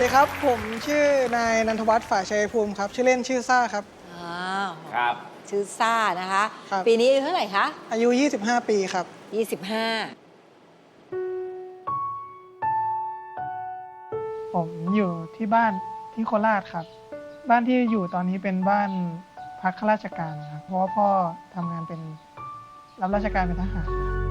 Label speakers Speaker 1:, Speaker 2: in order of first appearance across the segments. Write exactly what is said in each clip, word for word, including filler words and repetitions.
Speaker 1: ดีครับผมชื่อนายนันทวัฒน์ฝ่ายชัยภูมิครับชื่อเล่นชื่อซ่าครับ
Speaker 2: อ่า
Speaker 3: ครับ
Speaker 2: ชื่อซ่านะคะ
Speaker 1: ครับ
Speaker 2: ปีนี้อายุเท่าไหร่คะ
Speaker 1: อายุยี่สิบห้าปีครับ
Speaker 2: ยี่สิบห้า
Speaker 4: ผมอยู่ที่บ้านที่โคราชครับบ้านที่อยู่ตอนนี้เป็นบ้านพักข้าราชการครับเพราะว่าพ่อทำงานเป็นรับราชการเป็นทหาร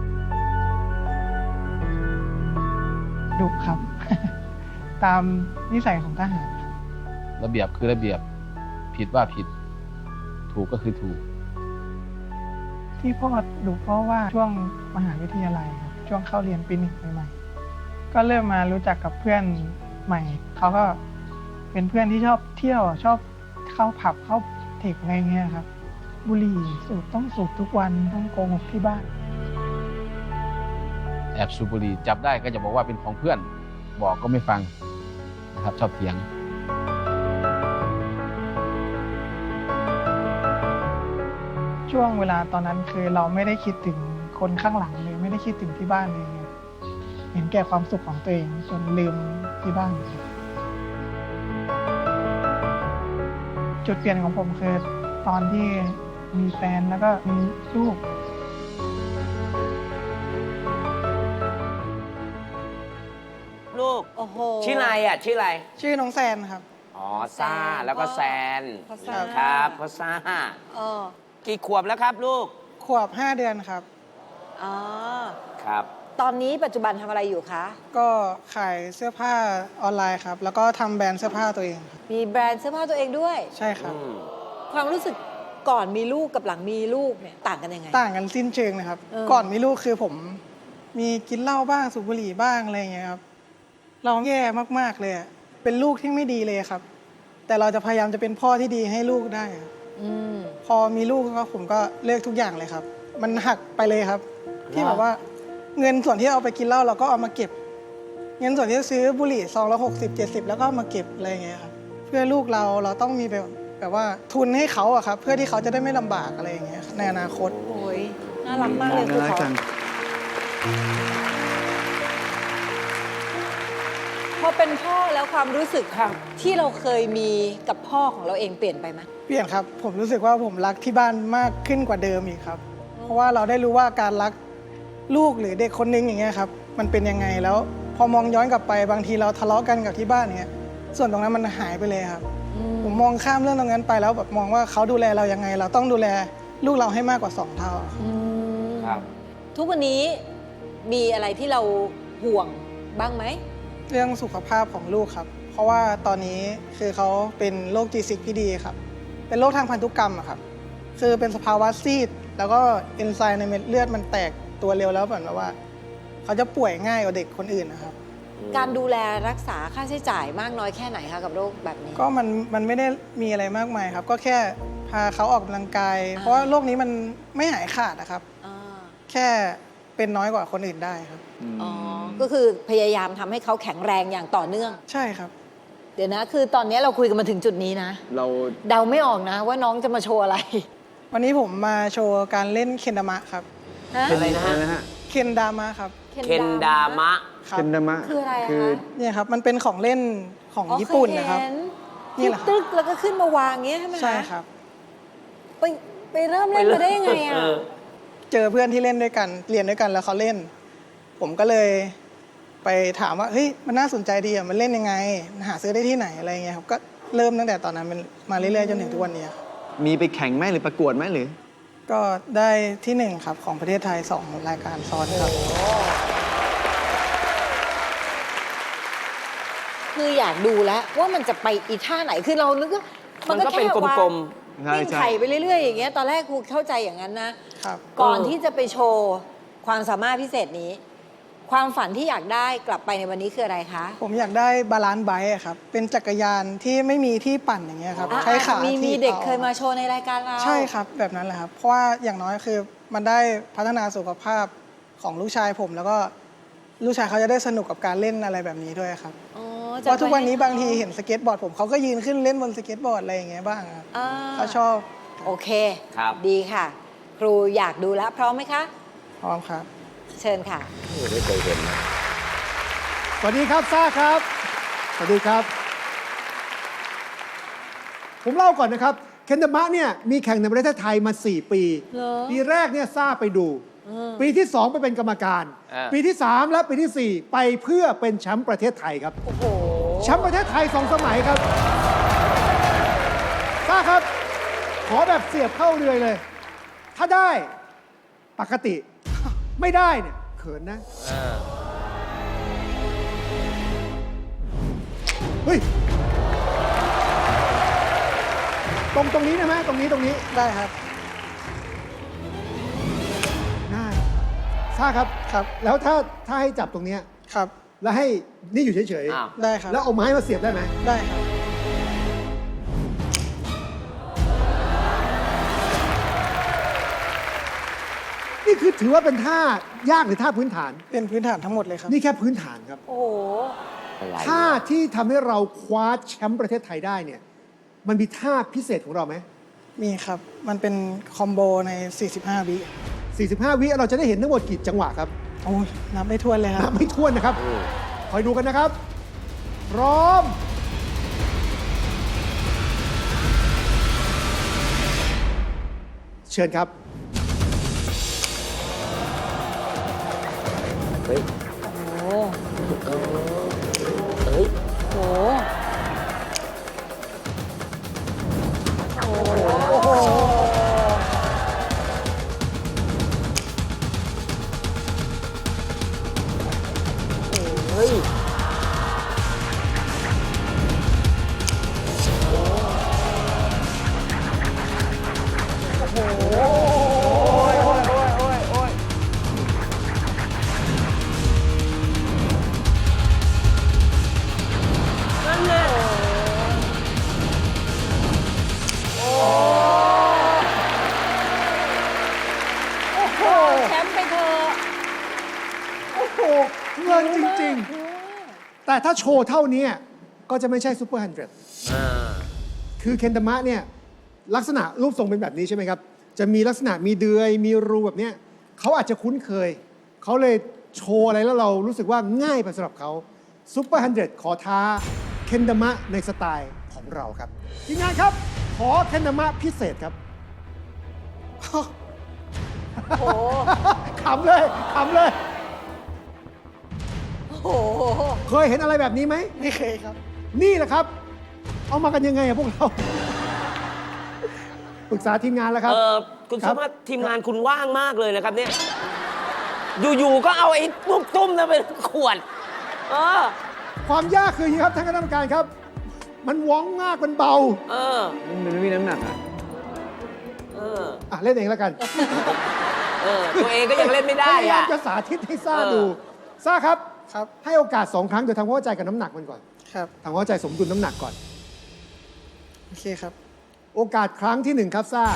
Speaker 4: ดุครับ ตามนิสัยของทหารครับ
Speaker 5: ระเบียบคือระเบียบผิดว่าผิดถูกก็คือถูก
Speaker 4: ที่พ่อดุเพราะว่าช่วงมหาวิทยาลัยครับช่วงเข้าเรียนปีหนึ่งใหม่ๆก็เริ่มมารู้จักกับเพื่อนใหม่เขาก็เป็นเพื่อนที่ชอบเที่ยวชอบเข้าผับเข้าเทคอะไรเงี้ยครับบุหรี่สูบต้องสูบทุกวันต้องโกหกที่บ้าน
Speaker 5: แอบสูบบุหรี่จับได้ก็จะบอกว่าเป็นของเพื่อนบอกก็ไม่ฟังนะครับชอบเถียง
Speaker 4: ช่วงเวลาตอนนั้นคือเราไม่ได้คิดถึงคนข้างหลังเลยไม่ได้คิดถึงที่บ้านเลยเห็นแก่ความสุขของตัวเองจนลืมที่บ้านจุดเปลี่ยนของผมคือตอนที่มีแฟนแล้วก็มีลูก
Speaker 3: ลูก
Speaker 2: โอ้โห
Speaker 3: ชื่ออะไรอ่ะชื่ออะไร
Speaker 1: ชื่อน้องแซนครับ
Speaker 3: อ๋อซ่าแล้วก็แซน
Speaker 2: พ่อซ่า
Speaker 3: ครับพ่อซ่า
Speaker 2: เออ
Speaker 3: กี่ขวบแล้วครับลูก
Speaker 1: ขวบห้าเดือนครับ
Speaker 2: อ๋อ
Speaker 3: ครับ
Speaker 2: ตอนนี้ปัจจุบันทำอะไรอยู่คะ
Speaker 1: ก็ขายเสื้อผ้าออนไลน์ครับแล้วก็ทำแบรนด์เสื้อผ้าตัวเองครับ
Speaker 2: มีแบรนด์เสื้อผ้าตัวเองด้วย
Speaker 1: ใช่ครับ
Speaker 3: อืม
Speaker 2: ความรู้สึกก่อนมีลูกกับหลังมีลูกเนี่ยต่างกันยังไง
Speaker 1: ต่างกันสิ้นเชิงนะครับ
Speaker 2: เออ
Speaker 1: ก่อนมีลูกคือผมมีกินเหล้าบ้างสูบบุหรี่บ้างอะไรอย่างเงี้ยครับเราแย่มากๆเลยอะเป็นลูกที่ไม่ดีเลยครับ แต่เราจะพยายามจะเป็นพ่อที่ดีให้ลูกได้ครับ
Speaker 2: อืม
Speaker 1: พอมีลูกก็ผมก็เลิกทุกอย่างเลยครับ มันหักไปเลยครับ ที่แบบว่าเงินส่วนที่เอาไปกินเหล้าเราก็เอามาเก็บ เงินส่วนที่ซื้อบุหรี่ซองละหกสิบเจ็ดสิบแล้วก็เอามาเก็บอะไรอย่างเงี้ยครับเพื่อลูกเราเราต้องมีแบบแบบว่าทุนให้เขาอะครับเพื่อที่เขาจะได้ไม่ลำบากอะไรอย่างเงี้ยในอนาคต
Speaker 2: โอ้ยน่ารักมากเลยคือเขาพอเป็นพ่อแล้วความรู้สึกค่ะที่เราเคยมีกับพ่อของเราเองเปลี่ยนไปไหม
Speaker 1: เปลี่ยนครับผมรู้สึกว่าผมรักที่บ้านมากขึ้นกว่าเดิมอีกครับ เพราะว่าเราได้รู้ว่าการรักลูกหรือเด็กคนนึงอย่างเงี้ยครับมันเป็นยังไงแล้ว พอมองย้อนกลับไปบางทีเราทะเลาะกันกับที่บ้านเนี้ยส่วนตรงนั้นมันหายไปเลยครับ ผมมองข้ามเรื่องตรงนั้นไปแล้วแบบมองว่าเขาดูแลเรายังไง เราต้องดูแลลูกเราให้มากกว่าสองเท่า
Speaker 2: อืม
Speaker 3: ครับ
Speaker 2: ทุกวันนี้มีอะไรที่เราห่วงบ้างไหม
Speaker 1: เรื่องสุขภาพของลูกครับ เพราะว่าตอนนี้คือเขาเป็นโรค จี ซิก พี ดี ครับ เป็นโรคทางพันธุกรรมอะครับ คือเป็นสภาวะซีด แล้วก็เอนไซม์ในเม็ดเลือดมันแตกตัวเร็วแล้วเหมือนแบบว่า เขาจะป่วยง่ายกว่าเด็กคนอื่นนะครับ
Speaker 2: การดูแลรักษาค่าใช้จ่ายมากน้อยแค่ไหนคะกับโรคแบบนี้
Speaker 1: ก็มันมันไม่ได้มีอะไรมากมายครับ ก็แค่พาเขาออกกำลังกาย
Speaker 2: อ่า
Speaker 1: เพราะว่าโรคนี้มันไม่หายขาดนะครับ
Speaker 2: อ่า
Speaker 1: แค่เป็นน้อยกว่าคนอื่นได้ครับ
Speaker 2: อ๋อ ก็คือพยายามทำให้เขาแข็งแรงอย่างต่อเนื่อง
Speaker 1: ใช่ครับ
Speaker 2: เดี๋ยวนะ คือตอนนี้เราคุยกันมาถึงจุดนี้นะ
Speaker 6: เรา
Speaker 2: เดาไม่ออกนะว่าน้องจะมาโชว์อะไร
Speaker 1: วันนี้ผมมาโชว์การเล่นเคนดามะครับ
Speaker 2: ฮะ
Speaker 3: อะไรนะฮะ
Speaker 6: นะฮะ
Speaker 1: เคนดามะครับ
Speaker 3: เคนดามะ
Speaker 1: ครับ
Speaker 6: เคนดามะ
Speaker 2: คืออะไรอะ
Speaker 6: คือ
Speaker 2: คะ
Speaker 1: เนี่ยครับ มันเป็นของเล่นของ
Speaker 2: อ๋อ
Speaker 1: ญี่ปุ่นนะครับ
Speaker 2: เยเห็
Speaker 1: นี่
Speaker 2: ที่
Speaker 1: แหละครับ
Speaker 2: ตึกแล้วก็ขึ้นมาวางอย่างเงี้ยใช่ไหมคะ
Speaker 1: ใช่ครับ
Speaker 2: ไปไปเริ่มเล่นมาได้ยังไงอ่ะ
Speaker 3: เออ
Speaker 1: เจอเพื่อนที่เล่นด้วยกัน เรียนด้วยกันแล้วเขาเล่น ผมก็เลยไปถามว่า เฮ้ย มันน่าสนใจดีอ่ะ มันเล่นยังไง หาซื้อได้ที่ไหนอะไรเงี้ยครับ ก็เริ่มตั้งแต่ตอนนั้นมันมาเรื่อยๆจนถึงทุกวันนี้ครับ
Speaker 6: มีไปแข่งไหมหรือประกวดไหมหรือ
Speaker 1: ก็ได้ที่หนึ่งครับของประเทศไทยสองรายการซ้อนครับ
Speaker 2: คืออยากดูแล้วว่ามันจะไปอีท่าไหน คือเรานึกว่า
Speaker 3: มันก็เป็นกลม
Speaker 6: ใช่
Speaker 2: วิ่ง
Speaker 6: ใช่
Speaker 2: ไข่ไปเรื่อยๆอย่างเงี้ย ตอนแรกครูเข้าใจอย่างนั้นนะ
Speaker 1: ครับ
Speaker 2: ก่อน
Speaker 3: เออ
Speaker 2: ที่จะไปโชว์ความสามารถพิเศษนี้ ความฝันที่อยากได้กลับไปในวันนี้คืออะไรคะ
Speaker 1: ผมอยากได้บาลานซ์ไบค์อะครับ เป็นจักรยานที่ไม่มีที่ปั่นอย่างเงี้ยครับ
Speaker 2: อ่ะ
Speaker 1: ใช้ขา
Speaker 2: มี
Speaker 1: ที่
Speaker 2: มีเด็ก
Speaker 1: ต่อ
Speaker 2: เคยมาโชว์ในรายการเรา
Speaker 1: ใช่ครับแบบนั้นแหละครับ เพราะว่าอย่างน้อยคือมันได้พัฒนาสุขภาพของลูกชายผม แล้วก็ลูกชายเขาจะได้สนุกกับการเล่นอะไรแบบนี้ด้วยครับ
Speaker 2: อ๋อ
Speaker 1: เพราะทุกวันนี้บางทีเห็นสเก็ตบอร์ดผมเขาก็ยืนขึ้นเล่นบนสเก็ตบอร์ดอะไรอย่างเงี้ยบ้างครับ
Speaker 2: อ่า
Speaker 1: เขาชอบ
Speaker 2: โอเค
Speaker 3: ครับ
Speaker 2: ดีค่ะ ครูอยากดูแล้วพร้อมไหมคะ
Speaker 1: พร้อมครับ
Speaker 2: เชิญค่ะ
Speaker 3: ไม่เคยเห็นนะ
Speaker 7: สวัสดีครับซ่าครับ สวัสดีครับผมเล่าก่อนนะครับ เคนดามะเนี่ยมีแข่งในประเทศไทยมา สี่ ปี
Speaker 2: เหรอ
Speaker 7: ปีแรกเนี่ยซ่าไปดู
Speaker 2: เออ
Speaker 7: ปีที่ สอง ไปเป็นกรรมการ
Speaker 3: เออ
Speaker 7: ปีที่ สาม และปีที่ สี่ ไปเพื่อเป็นแชมป์ประเทศไทยครับ
Speaker 2: โอ้โห
Speaker 7: แชมป์ประเทศไทยสองสมัยครับซ่าครับ ขอแบบเสียบเข้าเรือเลย ถ้าได้ปกติ ไม่ได้เนี่ยเขินนะ
Speaker 3: เออ
Speaker 7: เฮ้ย ตรงตรงนี้นะไหมตรงนี้ตรงนี้
Speaker 1: ได้ครับ
Speaker 7: ได้ซ่าครับ
Speaker 1: ครับ
Speaker 7: แล้วถ้าถ้าให้จับตรงเนี้ย
Speaker 1: ครับ
Speaker 7: แล้วให้นี่อยู่เฉย
Speaker 3: อ้าว
Speaker 1: ได้ครับ
Speaker 7: ๆ แล้วเอาไม้มาเสียบได้ไหม
Speaker 1: ได้ครับ
Speaker 7: นี่คือถือว่าเป็นท่ายากหรือท่าพื้นฐาน
Speaker 1: เป็นพื้นฐานทั้งหมดเลยครับ
Speaker 7: นี่แค่พื้นฐานครับ
Speaker 2: โอ้โห
Speaker 3: อะไร
Speaker 7: ท่าที่ทำให้เราคว้าแชมป์ประเทศไทยได้เนี่ย มันมีท่าพิเศษของเราไหม
Speaker 1: มีครับ มันเป็นคอมโบใน สี่สิบห้า วิ
Speaker 7: สี่สิบห้า วิเราจะได้เห็นทั้งหมดกี่จังหวะครับ
Speaker 1: โอ้ยนับไม่ถ้วนเลยค
Speaker 7: นั
Speaker 1: รั
Speaker 7: บบ ไม่ถ้วนนะครับ คอยดูกันนะครับ พร้อม เชิญครับ
Speaker 3: เฮ้ย
Speaker 2: โอ้โห
Speaker 3: เออเฮ้ย
Speaker 2: โอ้โห
Speaker 1: โอ้โห
Speaker 3: เฮ้ย นั่นแหละ
Speaker 2: โอ้โห แชมป์ไปเถอะ
Speaker 7: โอ้โห เงินจริง ๆ แต่ถ้าโชว์เท่านี้ก็จะไม่ใช่ซูเปอร์ฮันเดรด
Speaker 3: อ่า
Speaker 7: คือเคนดามะเนี่ยลักษณะรูปทรงเป็นแบบนี้ใช่ไหมครับ จะมีลักษณะมีเดือยมีรูแบบเนี้ยเขาอาจจะคุ้นเคย เขาเลยโชว์อะไรแล้วเรารู้สึกว่าง่ายไปสำหรับเขาซูเปอร์ฮันเดรดขอท้าเคนดามะในสไตล์ของเราครับทีมงานครับ ขอเคนดามะพิเศษครับ
Speaker 2: โอ้โห
Speaker 7: ขำเลยขำเลย
Speaker 2: โอ้โห
Speaker 7: เคยเห็นอะไรแบบนี้ไหม
Speaker 1: ไม่เคยครับ
Speaker 7: นี่แหละครับ เอามากันยังไงอะพวกเรา ปรึกษาทีมงานแล้วครับ
Speaker 3: เออคุณ
Speaker 7: ครั
Speaker 3: ส
Speaker 7: บ
Speaker 3: มารถทีมงานคุณว่างมากเลยนะครับเนี่ย อยู่ๆก็เอาไอ้ตุ้มตุ้มๆนั้นเป็นขวด เออ
Speaker 7: ความยากคืออย่างนี้ครับท่านคณะกรรมการครับ มันว้องมากมันเบา
Speaker 3: เออ
Speaker 6: มันไม่มีน้ำหนักอ่ะ
Speaker 3: เออ
Speaker 7: อ่ะเล่นเองแล้วกัน
Speaker 3: เออ ตัวเองก็ยังเล่นไม่ได้
Speaker 7: พยายาม
Speaker 3: อ่ะ
Speaker 7: จะสาธิตให้ซ่า
Speaker 3: เออ
Speaker 7: ดูซ่าครับ
Speaker 1: ครับ
Speaker 7: ให้โอกาสสองครั้งโดยทำความเข้าใจกับน้ำหนักมันก่อน
Speaker 1: ครับ
Speaker 7: ทำความเข้าใจสมดุลน้ำหนักก่อน
Speaker 1: โอเคครับ
Speaker 7: โอกาสครั้งที่หนึ่งครับซ่า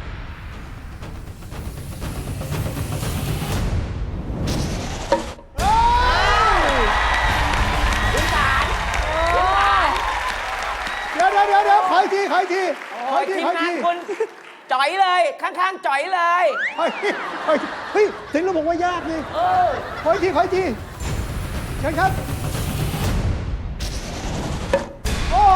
Speaker 7: เดี๋ยวเดี๋ยวเดี๋ยวเดี๋ยวขออีกทีขออีกทีขอ
Speaker 3: โอ้ย
Speaker 7: อีกที
Speaker 3: ทีม
Speaker 7: ขออีก
Speaker 3: งาน
Speaker 7: ที
Speaker 3: คุณจ่อยเลย ข้างๆจ่อยเลย
Speaker 7: ขออีกทีขออีกทีเฮ้ยถึงเราบอกว่ายากนี่
Speaker 3: เออ
Speaker 7: ขออีกทีขออีกทีเชิญครับ โอ้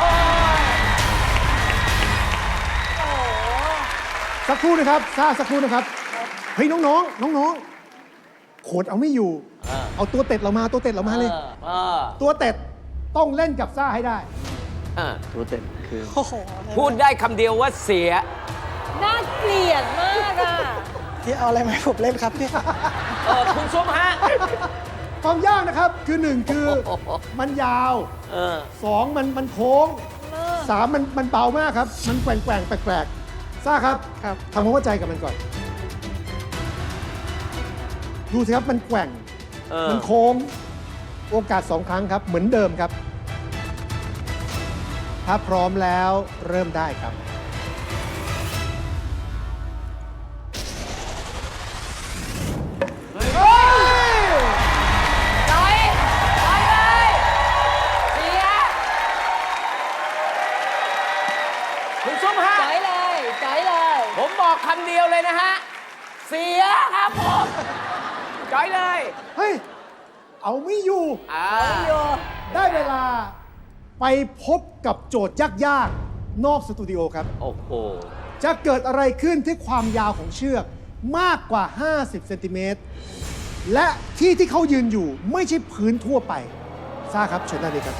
Speaker 7: สักครู่นะครับซ่าสักครู่นะครับ เฮ้ยน้องๆน้องๆโขดเอาไม่อยู่
Speaker 3: เออ
Speaker 7: เอาตัวเต็ดเรามาตัวเต็ดเรามาเลย
Speaker 3: เออ
Speaker 7: ตัวเต็ดต้องเล่นกับซ่าให้ได้
Speaker 3: เออ
Speaker 6: รู้เต็มคือ
Speaker 1: โอ้โห
Speaker 3: พูดได้คำเดียวว่าเสีย
Speaker 2: น่าเกลียดมากอ่ะ
Speaker 1: ที่เอาอะไรมาให้ผมเล่นครับเนี่ย
Speaker 3: เออ คุณซุปฮะ
Speaker 7: ความยากนะครับคือหนึ่งคือ
Speaker 3: โอ้โห
Speaker 7: มันยาว
Speaker 3: เออ
Speaker 7: สองมันมันโค้งสามมันมันเบามากครับ มันแกว่งแกว่งแปลกๆซ่าครับ
Speaker 1: ครับ
Speaker 7: ทำความเข้าใจกับมันก่อน ดูสิครับมันแกว่ง
Speaker 3: เออ
Speaker 7: มันโค้ง โอกาสสองครั้งครับ เหมือนเดิมครับ ถ้าพร้อมแล้วเริ่มได้ครับ เฮ้ย
Speaker 3: จ่อยจ่อยเลย เสีย คุณซุปฮะ
Speaker 2: จ่อยเลยจ่อยเลย
Speaker 3: ผมบอกคำเดียวเลยนะฮะ เสียครับผมจ่อยเลย
Speaker 7: เฮ้ย เอาไม่อยู่
Speaker 3: อ่า
Speaker 7: ได้เวลาไปพบกับโจทย์ยากนอกสตูดิโอครับ
Speaker 3: โอ้โห
Speaker 7: จะเกิดอะไรขึ้นที่ความยาวของเชือกมากกว่า ห้าสิบ เซนติเมตร และที่ที่เขายืนอยู่ไม่ใช่พื้นทั่วไปซ่าครับเชิญได้เลยครับ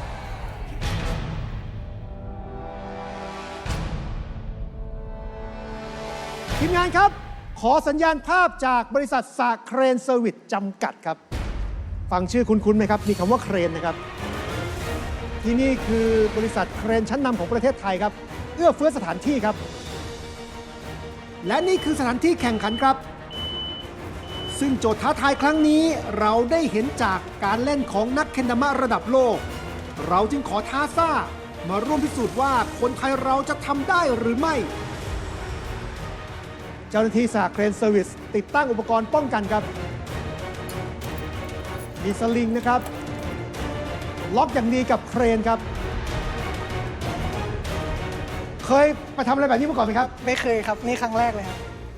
Speaker 7: ทีมงานครับ ขอสัญญาณภาพจากบริษัทสาเครนเซอร์วิสจำกัดครับ ฟังชื่อคุ้นๆไหมครับ มีคำว่าเครนนะครับ ที่นี่คือบริษัทเครนชั้นนำของประเทศไทยครับ เอื้อเฟื้อสถานที่ครับ และนี่คือสถานที่แข่งขันครับ ซึ่งโจทย์ท้าทายครั้งนี้เราได้เห็นจากการเล่นของนักเคนดามะระดับโลก เราจึงขอท้าซ่ามาร่วมพิสูจน์ว่าคนไทยเราจะทำได้หรือไม่ เจ้าหน้าที่สหเครนเซอร์วิสติดตั้งอุปกรณ์ป้องกันครับ มีสลิงนะครับ ล็อกอย่างดีกับเครนครับ เคยไปทำอะไรแบบนี้มาก่อนไหมครับ
Speaker 1: ไม่เคยครับ นี่ครั้งแรกเลยครับ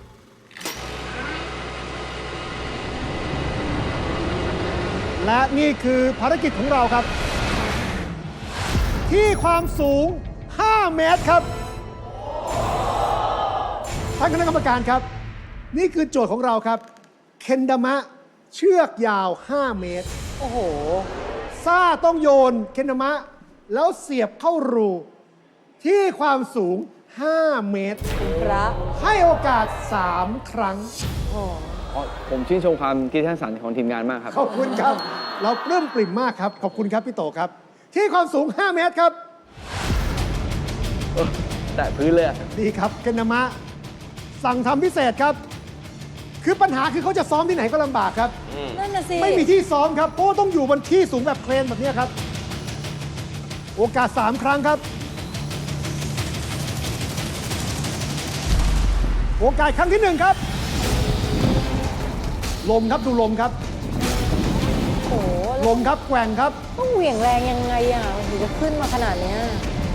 Speaker 7: และนี่คือภารกิจของเราครับ ที่ความสูง ห้า เมตรครับท่านคณะกรรมการครับ นี่คือโจทย์ของเราครับ เคนดามะเชือกยาว ห้า เมตร
Speaker 2: โอ้โห
Speaker 7: ซ่าต้องโยนเคนดามะ แล้วเสียบเข้ารู ที่ความสูง ห้า เมตร
Speaker 2: พระ
Speaker 7: ให้โอกาส สาม ครั้ง
Speaker 6: ผมชื่นชมความคิดสร้างสรรค์ของทีมงานมากครับ
Speaker 7: ขอบคุณครับ เราปลื้มปริ่มมากครับ ขอบคุณครับพี่โตครับ ที่ความสูง ห้า เมตรครับ
Speaker 6: แต่พื้นเลยอะ
Speaker 7: ดีครับเคนดามะ สั่งทำพิเศษครับ คือปัญหาคือเขาจะซ้อมที่ไหนก็ลำบากครับ
Speaker 2: นั่นน่ะสิ
Speaker 7: ไม่มีที่ซ้อมครับ เพราะว่าต้องอยู่บนที่สูงแบบเครนแบบนี้ครับ โอกาส สาม ครั้งครับ โอกาสครั้งที่หนึ่งครับ ลมครับดูลมครับ
Speaker 2: โอ้โห
Speaker 7: ลมครับแกว่งครับ
Speaker 2: ต้องเหวี่ยงแรงยังไงอ่ะมันถึงจะขึ้นมาขนาดเนี้ย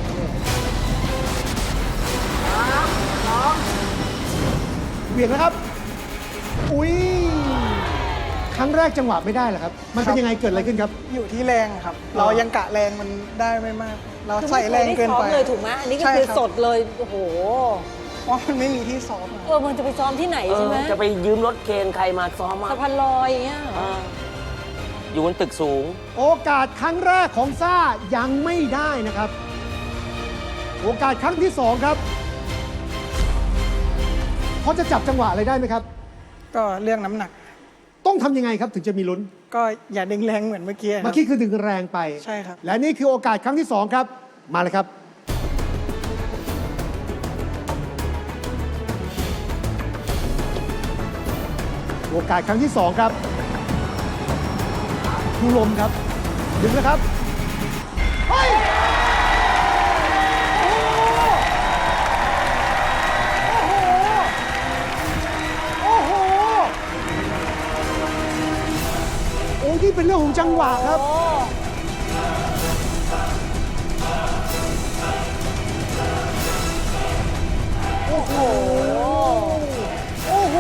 Speaker 7: เหวี่ยงนะครับ อุ้ยครั้งแรกจังหวะไม่ได้เหรอครับ มันเป็นยังไงเกิดอะไรขึ้นครับ
Speaker 1: อยู่ที่แรงครับ เรายังกะแรงมันได้ไม่มาก เราใส่แรงเกินไป
Speaker 2: คือม่คยได้ซ้อมเลยถูกไหมอันนี้ก็
Speaker 1: ใช่
Speaker 2: คือ
Speaker 1: รับ
Speaker 2: สดเลย โอ้โห
Speaker 1: เพราะมันไม่มีที่ซ้อมอะ
Speaker 2: เออ มันจะไปซ้อมที่ไหน
Speaker 3: เอ
Speaker 2: ใช่
Speaker 3: อ
Speaker 2: ไหม
Speaker 3: จะไปยืมรถเคนใครมาซ้อมอ่ะ
Speaker 2: สะพานลอยอย่างเงี้ย
Speaker 3: เอออยู่บนตึกสูง
Speaker 7: โอกาสครั้งแรกของซ่ายังไม่ได้นะครับ โอกาสครั้งที่สองครับเขาจะจับจังหวะอะไรได้ไหมครับ
Speaker 1: ก็เรื่องน้ำหนัก
Speaker 7: ต้องทำยังไงครับถึงจะมีลุ้น
Speaker 1: ก็อย่าดึงแรงเหมือนเมื่อกี้ครับ
Speaker 7: เมื่อกี้คือดึงแรงไป
Speaker 1: ใช่ครับ
Speaker 7: และนี่คือโอกาสครั้งที่สองครับ มาเลยครับ โอกาสครั้งที่สองครับ ดูลมครับ ดึงนะครับ เฮ้ย โอ้โห โอ้โห โอ้ที่เป็นเรื่องของจังหวะครับ โอ้โห โอ้โห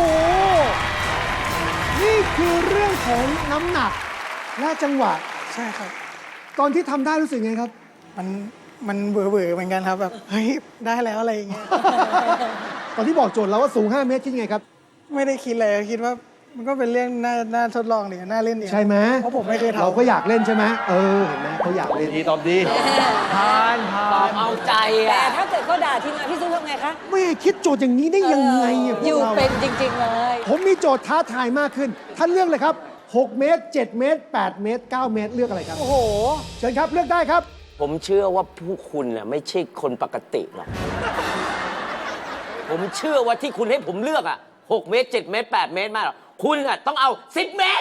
Speaker 7: นี่คือเรื่องของน้ำหนักและจังหวะ
Speaker 1: ใช่ครับ
Speaker 7: ตอนที่ทำได้รู้สึกไงครับ
Speaker 1: มันมันเบื่อๆเหมือนกันครับแบบเฮ้ยได้แล้วอะไรอย่างเงี้ย
Speaker 7: ตอนที่บอกโจทย์เราว่าสูง ห้า เมตรคิดไงครับ
Speaker 1: ไม่ได้คิดเลยคิดว่ามันก็เป็นเรื่องน่าน่าทดลองดีน่าเล่นดี
Speaker 7: ใช่ไหม
Speaker 1: เพราะผมไม่เคยทำ
Speaker 7: เราก็อยากเล่นใช่ไหมเออ เห็นไหมเขาอยากเล่น
Speaker 6: ดีตอบดีผ่านผ่า
Speaker 3: ตอน บเอาใจ
Speaker 2: แต่
Speaker 3: อ่ะ
Speaker 2: ถ้าเกิดเขาด่าทีมงานพี่ซุปทำไงคะ
Speaker 7: แม่คิดโจทย์อย่างนี้ได้ยังไงอะพว
Speaker 2: อก ยู่
Speaker 7: เรา
Speaker 2: เป็นจริง ๆ เลย
Speaker 7: ผมมีโจทย์ท้าทายมากขึ้น ท่านเลือกเลยครับ หก เมตร เจ็ด เมตร แปด เมตร เก้า เมตร เลือกอะไรครับ
Speaker 2: โอ้โห
Speaker 7: เชิญครับเลือกได้ครับ
Speaker 3: ผมเชื่อว่าผู้คุณน่ะไม่ใช่คนปกติหรอก ผมเชื่อว่าที่คุณให้ผมเลือกอ่ะหกเมตรเจ็ดเมตรแปดเมตรมากหรอกคุณอ่ะต้องเอาสิบเมตร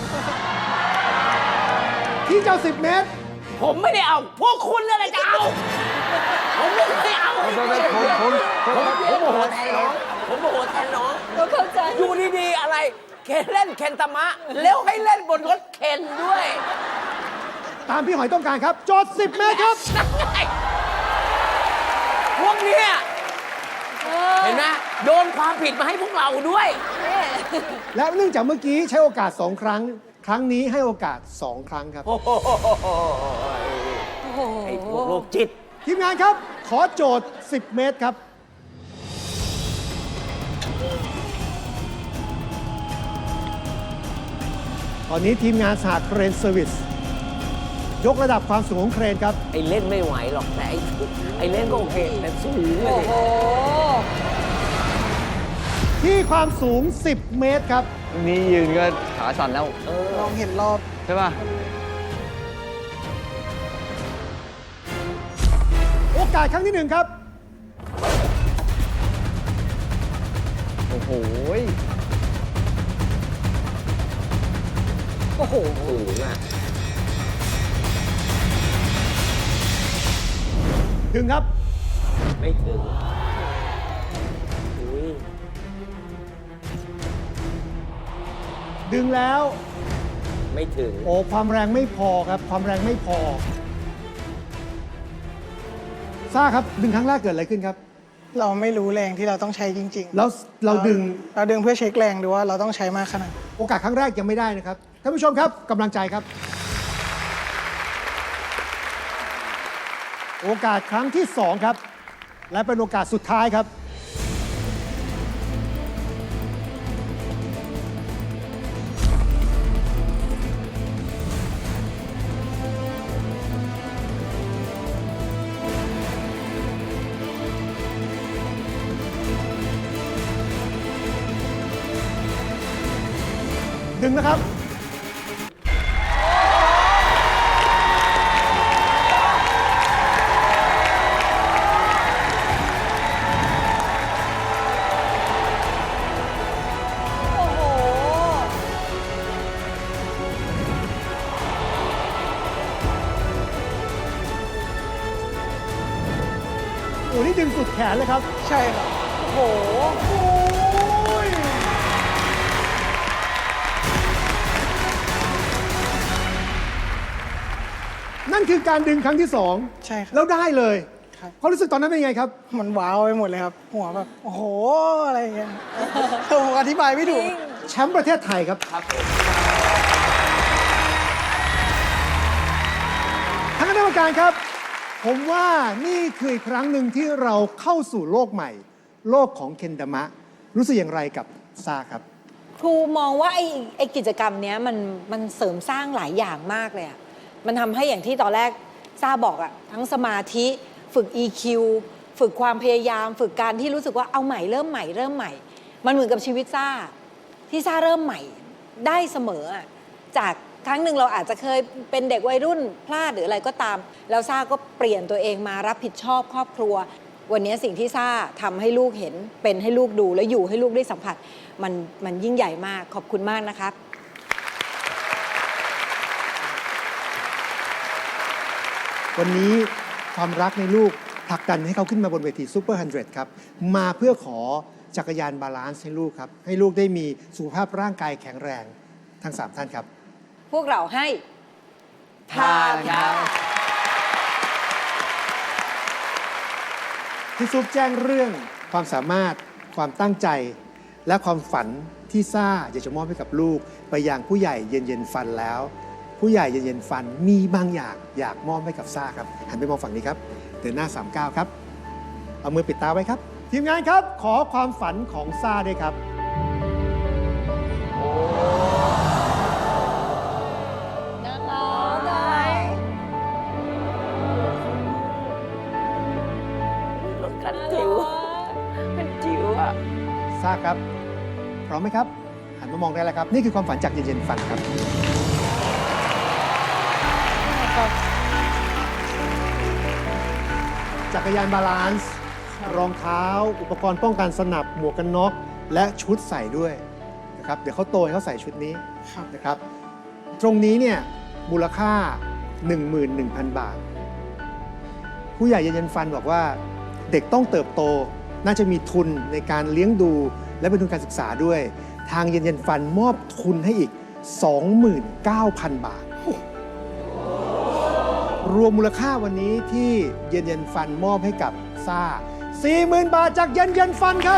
Speaker 7: ที่เจ้าสิบ เมตร
Speaker 3: ผมไม่ได้เอา พวกคุณนั่นแหละจะเอา ผมไม่ได้เอา
Speaker 6: ผมผมผมผม
Speaker 3: ผมโมโหแทนน้อง ผมโมโหแทนน้อง
Speaker 2: ก็เข้าใจ
Speaker 3: อยู่ดีๆอะไร เคนเล่นเคนตามะ แล้วให้เล่นบนรถเคนด้วย
Speaker 7: ตามพี่หอยต้องการครับ โจทย์สิบ เมตรครับ
Speaker 3: นั่นไงพวกเนี้ยเห็นไหมโดนความผิดมาให้พวกเราด้วย
Speaker 7: และเนื่องจากเมื่อกี้ใช้โอกาสสองครั้ง ครั้งนี้ให้โอกาสสองครั้งครับ
Speaker 3: โอ้โหไอ้พวกโรคจิต
Speaker 7: ทีมงานครับ ขอโจทย์ สิบ เมตรครับ ตอนนี้ทีมงานสหเครนเซอร์วิสยกระดับความสูงของเครนครับ
Speaker 3: ไอ้เล่นไม่ไหวหรอกแต่ไอ้ไอ้เล่นก็โอเคแต่สูงเล
Speaker 2: โอ้
Speaker 3: ย
Speaker 2: โห
Speaker 7: ที่ความสูง สิบ เมตรครับ
Speaker 6: นี่ยืนก็ขาสั่นแล้ว
Speaker 1: ลองเห็นรอบ
Speaker 6: ใช่ป่ะ
Speaker 7: โอกาสครั้งที่หนึ่งครับ
Speaker 6: โอ้โห
Speaker 2: โอ้โห
Speaker 3: สูงอ่ะ
Speaker 7: ถึงครับ
Speaker 3: ไม่ถึงอุ้ย
Speaker 7: ดึงแล้ว
Speaker 3: ไม่ถึง
Speaker 7: โอ้ความแรงไม่พอครับ ความแรงไม่พอซ่าครับ ดึงครั้งแรกเกิดอะไรขึ้นครับ
Speaker 1: เราไม่รู้แรงที่เราต้องใช้จริงๆ
Speaker 7: แล้วเราดึง
Speaker 1: เราดึงเพื่อเช็คแรงดูว่าเราต้องใช้มากขนาดไหน
Speaker 7: โอกาสครั้งแรกยังไม่ได้นะครับ ท่านผู้ชมครับกำลังใจครับ โอกาสครั้งที่สองครับ และเป็นโอกาสสุดท้ายครับ ดึงนะครับ
Speaker 2: โอ้โห
Speaker 7: โอ้นี่ดึงสุดแขนเลยครับ
Speaker 1: ใช่ครับ
Speaker 2: โอ้โห
Speaker 7: โอ้ยนั่นคือการดึงครั้งที่สอง
Speaker 1: ใช่ครับ
Speaker 7: แล้วได้เลย
Speaker 1: ครับ
Speaker 7: ความรู้สึกตอนนั้นเป็นไงครับ
Speaker 1: มันว้าวไปหมดเลยครับ หัวแบบ โอ้โห อะไรอย่างเงี้ย ผมอธิบายไม่ถูก
Speaker 7: แชมป์ประเทศไทยครับ
Speaker 3: ครับผม
Speaker 7: ทางคณะกรรมการครับ ผมว่านี่คืออีกครั้งหนึ่งที่เราเข้าสู่โลกใหม่ โลกของเคนดามะ รู้สึกอย่างไรกับซาครับ
Speaker 2: ครูมองว่าไอ้ไอ้กิจกรรมเนี้ยมันมันเสริมสร้างหลายอย่างมากเลยอะมันทำให้อย่างที่ตอนแรกซ่าบอกอะทั้งสมาธิฝึก อี คิว ฝึกความพยายาม ฝึกการที่รู้สึกว่าเอาใหม่เริ่มใหม่เริ่มใหม่ มันเหมือนกับชีวิตซ่าที่ซ่าเริ่มใหม่ได้เสมออะจากครั้งหนึ่งเราอาจจะเคยเป็นเด็กวัยรุ่นพลาดหรืออะไรก็ตาม แล้วซ่าก็เปลี่ยนตัวเองมารับผิดชอบครอบครัว วันนี้สิ่งที่ซ่าทำให้ลูกเห็นเป็นให้ลูกดูและอยู่ให้ลูกได้สัมผัส มันมันยิ่งใหญ่มากขอบคุณมากนะครับ
Speaker 7: วันนี้ความรักในลูกผลักดันให้เขาขึ้นมาบนเวทีซูเปอร์ฮันเดรดครับ มาเพื่อขอจักรยานบาลานซ์ให้ลูกครับ ให้ลูกได้มีสุขภาพร่างกายแข็งแรงทั้งสามท่านครับ
Speaker 2: พวกเราให้
Speaker 3: ผ่านครับ
Speaker 7: พี่ซุปแจ้งเรื่องความสามารถความตั้งใจ และความฝันที่ซ่าอยากจะมอบให้กับลูก ไปยังผู้ใหญ่เย็นเย็นฟันแล้ว ผู้ใหญ่เย็นเย็นฟันมีบางอย่างอยากมอบให้กับซ่าครับหันไปมองฝั่งนี้ครับเดินหน้าสามเก้าครับเอามือปิดตาไว้ครับ ทีมงานครับขอความฝันของซ่าด้วยครับ
Speaker 2: น่ารักได้
Speaker 3: รถคันจิ๋วคันจิ๋วอ่ะ
Speaker 7: ซ่าครับ พร้อมไหมครับ หันมามองได้แล้วครับ นี่คือความฝันจากเย็นเย็นฟันครับ จักรยานบาลานซ์ รองเท้า อุปกรณ์ป้องกันสนับ หมวกกันน็อก และชุดใส่ด้วยนะครับ เดี๋ยวเขาโตให้เขาใส่ชุดนี้
Speaker 1: ครับ
Speaker 7: นะครับ ตรงนี้เนี่ยมูลค่า หนึ่งหมื่นหนึ่งพัน บาท ผู้ใหญ่เย็นเย็นฟันบอกว่าเด็กต้องเติบโต น่าจะมีทุนในการเลี้ยงดู และเป็นทุนการศึกษาด้วย ทางเย็นเย็นฟันมอบทุนให้อีก สองหมื่นเก้าพัน บาท รวมมูลค่าวันนี้ที่เย็นเย็นฟันมอบให้กับซ่า สี่หมื่น บาทจากเย็นเย็นฟันครับ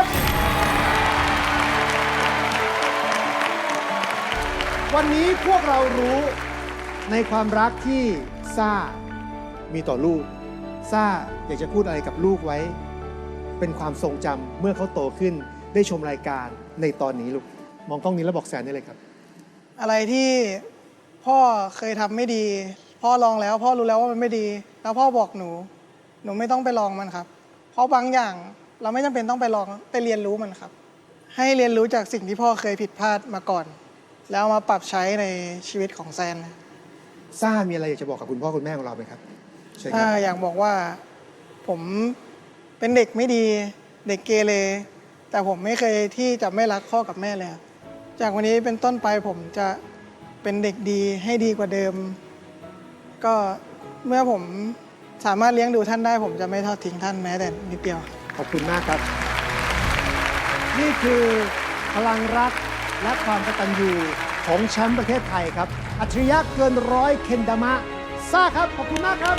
Speaker 7: วันนี้พวกเรารู้ในความรักที่ซ่ามีต่อลูกซ่าอยากจะพูดอะไรกับลูกไว้ เป็นความทรงจำเมื่อเขาโตขึ้นได้ชมรายการในตอนนี้ลูกมองกล้องนี้แล้วบอกแซนได้เลยครับ
Speaker 1: อะไรที่พ่อเคยทำไม่ดี พ่อลองแล้วพ่อรู้แล้วว่ามันไม่ดี แล้วพ่อบอกหนู หนูไม่ต้องไปลองมันครับ เพราะบางอย่างเราไม่จำเป็นต้องไปลองไปเรียนรู้มันครับ ให้เรียนรู้จากสิ่งที่พ่อเคยผิดพลาดมาก่อน แล้วเอามาปรับใช้ในชีวิตของแซน
Speaker 7: ซ่ามีอะไรอยากจะบอกกับคุณพ่อคุณแม่ของเราไหมครับใช่ค
Speaker 1: ถ้า
Speaker 7: รับ
Speaker 1: อยากบอกว่าผมเป็นเด็กไม่ดี เด็กเกเรแต่ผมไม่เคยที่จะไม่รักพ่อกับแม่เลยครับจากวันนี้เป็นต้นไปผมจะเป็นเด็กดีให้ดีกว่าเดิม ก็เมื่อผมสามารถเลี้ยงดูท่านได้ ผมจะไม่ทอดทิ้งท่านแม้แต่นิดเดียว
Speaker 7: ขอบคุณมากครับ นี่คือพลังรักและความกตัญญูของแชมป์ประเทศไทยครับ อัจฉริยะเกินร้อยเคนดามะซ่าครับ ขอบคุณมากครับ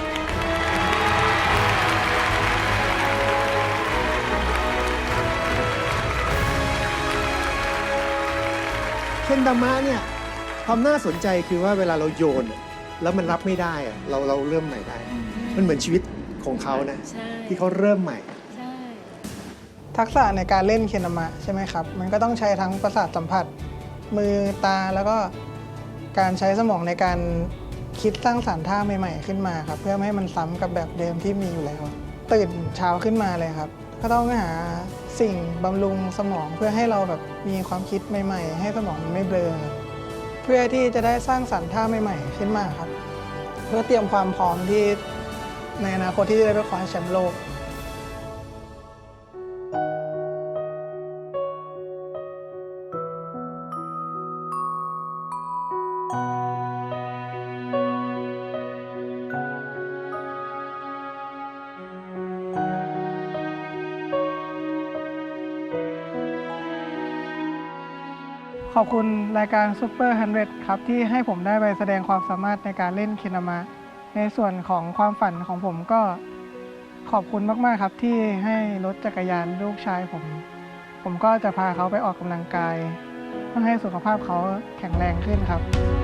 Speaker 7: เคนดามะเนี่ยความน่าสนใจคือว่าเวลาเราโยน แล้วมันรับไม่ได้อะเราเราเริ่มใหม่ได้ มันเหมือนชีวิตของเขานะ
Speaker 2: ใช่
Speaker 7: ที่เขาเริ่มใหม่
Speaker 2: ใช่
Speaker 1: ทักษะในการเล่นเคนามะใช่ไหมครับ มันก็ต้องใช้ทั้งประสาทสัมผัส มือตาแล้วก็การใช้สมองในการคิดสร้างสรรค์ท่าใหม่ๆขึ้นมาครับ เพื่อไม่ให้มันซ้ำกับแบบเดิมที่มีอยู่แล้ว ตื่นเช้าขึ้นมาเลยครับ ก็ต้องหาสิ่งบำรุงสมองเพื่อให้เราแบบมีความคิดใหม่ๆ ให้สมองมันไม่เบลอครับเพื่อที่จะได้สร้างสรรค์ท่าใหม่ๆขึ้นมาครับ เพื่อเตรียมความพร้อมที่ในอนาคตที่จะได้ไปคว้าแชมป์โลก ขอบคุณรายการ Super หนึ่งร้อย ครับ ที่ให้ผมได้ไปแสดงความสามารถในการเล่นเคนามะ ในส่วนของความฝันของผมก็ขอบคุณมากๆครับที่ให้รถจักรยานลูกชายผม ผมก็จะพาเขาไปออกกำลังกาย เพื่อให้สุขภาพเขาแข็งแรงขึ้นครับ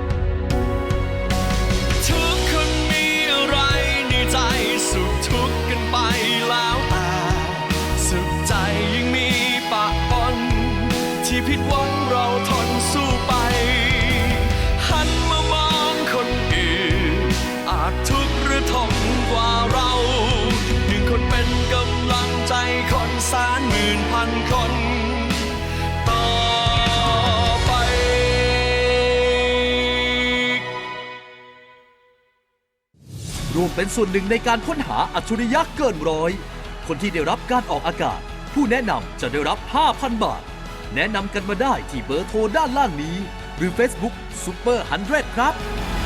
Speaker 8: ทุกคนมีอะไรในใจสุขทุกข์กันไปแล้วแต่สุขใจยังมีปะปนที่ผิดหวังเราทนสู้ไปหันมามองคนอื่นอาจทุกข์หรือทนกว่าเราหนึ่งคนเป็นกำลังใจคนแสนหมื่นพันคนต่อไป
Speaker 9: ร่วมเป็นส่วนหนึ่งในการค้นหาอัจฉริยะเกินร้อย คนที่ได้รับการออกอากาศ ผู้แนะนำจะได้รับ ห้าพัน บาท แนะนำกันมาได้ที่เบอร์โทรด้านล่างนี้ หรือ Facebook Super หนึ่งร้อย ครับ